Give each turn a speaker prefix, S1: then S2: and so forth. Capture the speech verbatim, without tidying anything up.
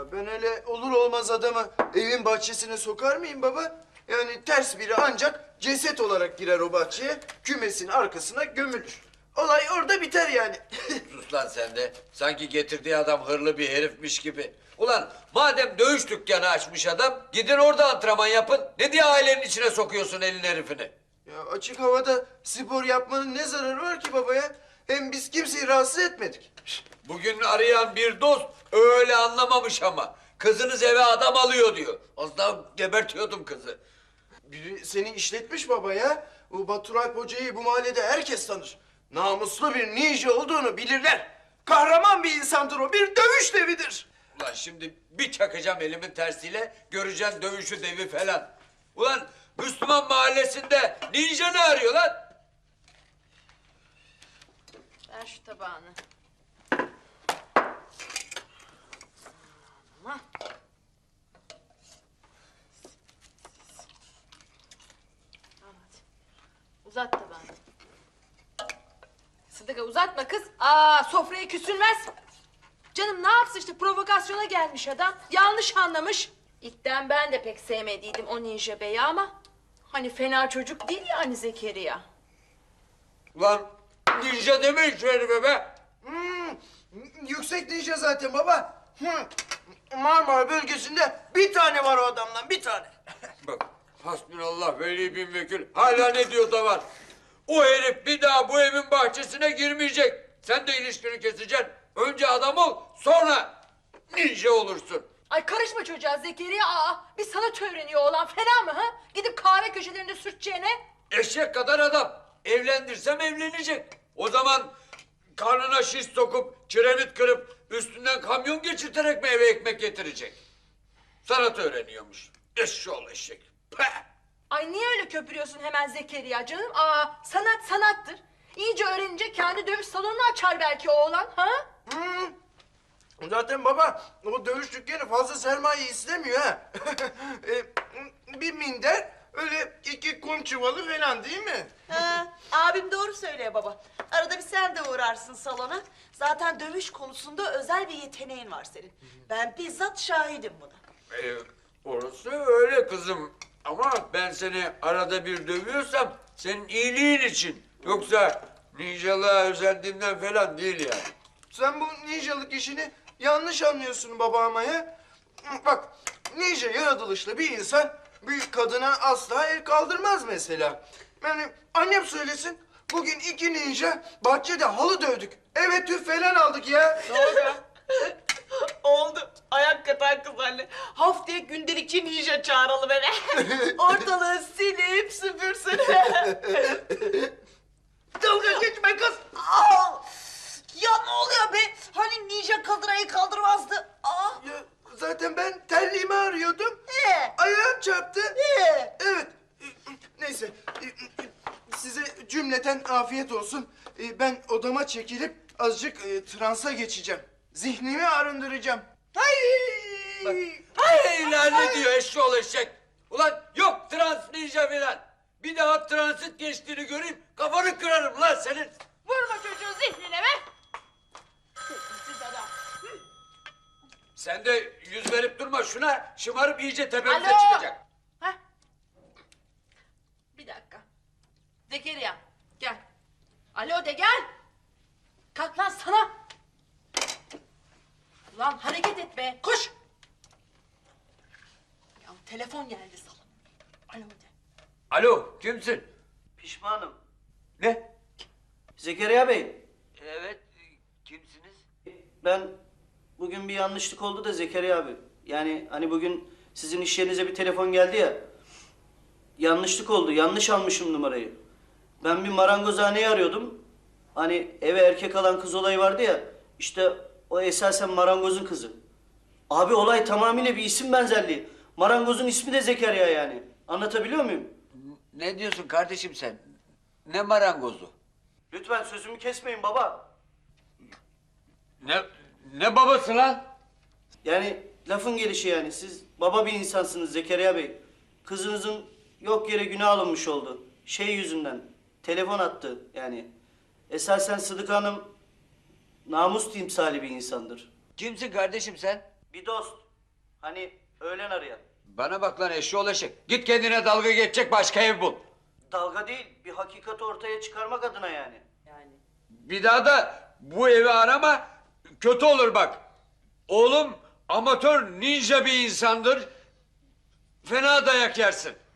S1: Ya ben öyle olur olmaz adamı evin bahçesine sokar mıyım baba? Yani ters biri ancak ceset olarak girer o bahçeye, kümesin arkasına gömülür. Olay orada biter yani.
S2: Sus lan sen de. Sanki getirdiği adam hırlı bir herifmiş gibi. Ulan madem dövüş dükkanı açmış adam, gidin orada antrenman yapın. Ne diye ailenin içine sokuyorsun elin herifini?
S1: Ya açık havada spor yapmanın ne zararı var ki baba ya? Hem biz kimseyi rahatsız etmedik.
S2: Bugün arayan bir dost öyle anlamamış ama. Kızınız eve adam alıyor diyor. Az daha gebertiyordum kızı.
S1: Biri seni işletmiş baba ya. O Batur Alp Hoca'yı bu mahallede herkes tanır. Namuslu bir ninja olduğunu bilirler. Kahraman bir insandır o, bir dövüş devidir.
S2: Ulan şimdi bir çakacağım elimin tersiyle, göreceksin dövüşü devi falan. Ulan Müslüman mahallesinde ninja ne arıyor lan?
S3: Ver şu tabağını. Ama. Tamam hadi. Uzat tabağını. Sıdıka uzatma kız. Aa sofraya küsülmez. Canım ne yapsın işte, provokasyona gelmiş adam. Yanlış anlamış. İlkten ben de pek sevmediydim o ninja beyi ama... hani fena çocuk değil yani Zekeriya.
S2: Ulan ninja demeyin şu herife be.
S1: Hmm, yüksek ninja zaten baba. Hı. Marmara bölgesinde bir tane var o adamdan, bir tane.
S2: Bak hasbinallah veli bin vekil hala ne diyor da var. O herif bir daha bu evin bahçesine girmeyecek. Sen de ilişkini keseceksin. Önce adam ol, sonra ninja olursun.
S3: Ay karışma çocuğa Zekeriya. Aa, bir sanat öğreniyor oğlan, fena mı ha? Gidip kahve köşelerinde sürteceğine.
S2: Eşek kadar adam. Evlendirsem evlenecek. O zaman karnına şiş sokup, kiremit kırıp, üstünden kamyon geçirterek mi eve ekmek getirecek? Sanat öğreniyormuş. Eşşoğlu eşek. Peh!
S3: Ay niye öyle köpürüyorsun hemen Zekeriya canım? Aa, sanat sanattır. İyice öğrenince kendi dövüş salonunu açar belki oğlan, ha?
S1: Hmm. Zaten baba o dövüş dükkanı fazla sermaye istemiyor ha. E, bir minder, öyle iki kum çuvalı falan değil mi?
S4: Ha, abim doğru söylüyor baba. Arada bir sen de uğrarsın salona. Zaten dövüş konusunda özel bir yeteneğin var senin. Ben bizzat şahidim buna.
S2: Ee, orası öyle kızım. Ama ben seni arada bir dövüyorsam senin iyiliğin için. Yoksa ninjalığa özendiğimden falan değil yani.
S1: Sen bu ninjalık işini yanlış anlıyorsun baba ama ya. Bak, ninja yaratılışlı bir insan bir kadına asla el kaldırmaz mesela. Yani annem söylesin, bugün iki ninja bahçede halı dövdük. Eve tüf falan aldık ya. Ne oldu?
S4: Oldu. Ayak katan kız anne. Haftaya gündelikçi ninja çağıralım eve. Ortalığı silip süpürsün.
S1: Dalga geçme kız.
S4: Aa! Ya ne oluyor be? Hani ninja kadınayı kaldırmazdı. Aa!
S1: Ya, zaten ben terliğimi arıyordum.
S4: Ee?
S1: Ayağım çarptı.
S4: Ee?
S1: Evet. Neyse. Size cümleten afiyet olsun. Ben odama çekilip azıcık e, transa geçeceğim. Zihnimi arındıracağım. Hay!
S2: Hey lan ne diyor eşşoğlu eşek? Ulan yok trans ninja falan. Bir daha transit geçtiğini göreyim kafanı kırarım lan senin.
S3: Vurma çocuğun zihnine be. Siz adam.
S2: Sen de yüz verip durma şuna, şımarıp iyice tepemize
S3: Alo.
S2: çıkacak.
S3: Heh. Bir dakika. Zekeriya gel. Alo de gel. Kalk lan sana. Ulan hareket et be. Koş. Ya telefon geldi salon. Alo de.
S2: Alo, kimsin?
S5: Pişmanım.
S2: Ne?
S5: Zekeriya Bey,
S2: Evet, kimsiniz?
S5: ben bugün bir yanlışlık oldu da Zekeriya abi. Yani hani bugün sizin iş yerinize bir telefon geldi ya. Yanlışlık oldu, yanlış almışım numarayı. Ben bir marangozhaneyi arıyordum. Hani eve erkek alan kız olayı vardı ya. İşte o esasen marangozun kızı. Abi olay tamamıyla bir isim benzerliği. Marangozun ismi de Zekeriya yani. Anlatabiliyor muyum?
S2: Ne diyorsun kardeşim sen? Ne marangozu?
S5: Lütfen sözümü kesmeyin baba.
S2: Ne ne babası lan?
S5: Yani lafın gelişi yani. Siz baba bir insansınız Zekeriya Bey. Kızınızın yok yere günah alınmış oldu. Şey yüzünden. Telefon attı yani. Esasen Sıdıka Hanım namus timsali bir insandır.
S2: Kimsin kardeşim sen?
S5: Bir dost. Hani öğlen arayan.
S2: Bana bak lan eşşoğlu eşek. Git kendine dalga geçecek başka ev bul.
S5: Dalga değil, bir hakikati ortaya çıkarmak adına yani.
S4: Yani.
S2: Bir daha da bu evi arama, kötü olur bak. Oğlum amatör ninja bir insandır. Fena dayak yersin.